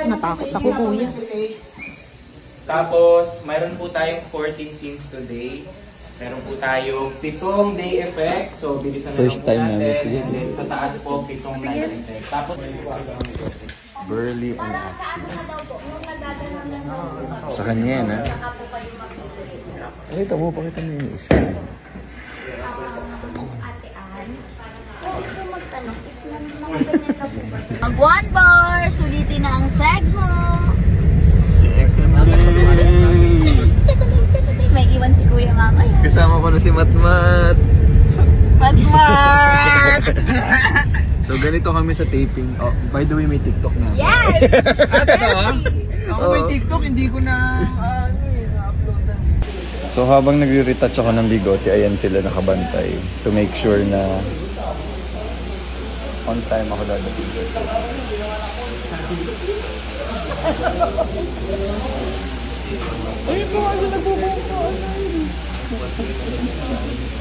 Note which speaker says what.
Speaker 1: Natakot ako, kuya.
Speaker 2: Tapos, mayroon po tayong 14 scenes today. Meron po tayong 7 day effect. So, bilisan na
Speaker 3: First
Speaker 2: lang po
Speaker 3: time namin
Speaker 2: natin.
Speaker 3: ito.
Speaker 2: And then, sa taas po, 7 night effect. Tapos,
Speaker 3: Burly and action. Sa kanya yan, ha? Pakita mo yung isa.
Speaker 4: Mag 1 bar, sulitin na ang segmo.
Speaker 3: Second day!
Speaker 4: May iwan si Kuya mamaya.
Speaker 3: Kasama ko na si Matmat.
Speaker 1: Matmat!
Speaker 3: So ganito kami sa taping. Oh, by the way, may TikTok na.
Speaker 4: Yes!
Speaker 1: Ako may TikTok, hindi ko na na-uploadan.
Speaker 3: So habang nagre-retouch ako ng bigote, ayan sila nakabantay to make sure na on time ako dadating sa set.
Speaker 1: Ayun po, ano nagbubuo ko.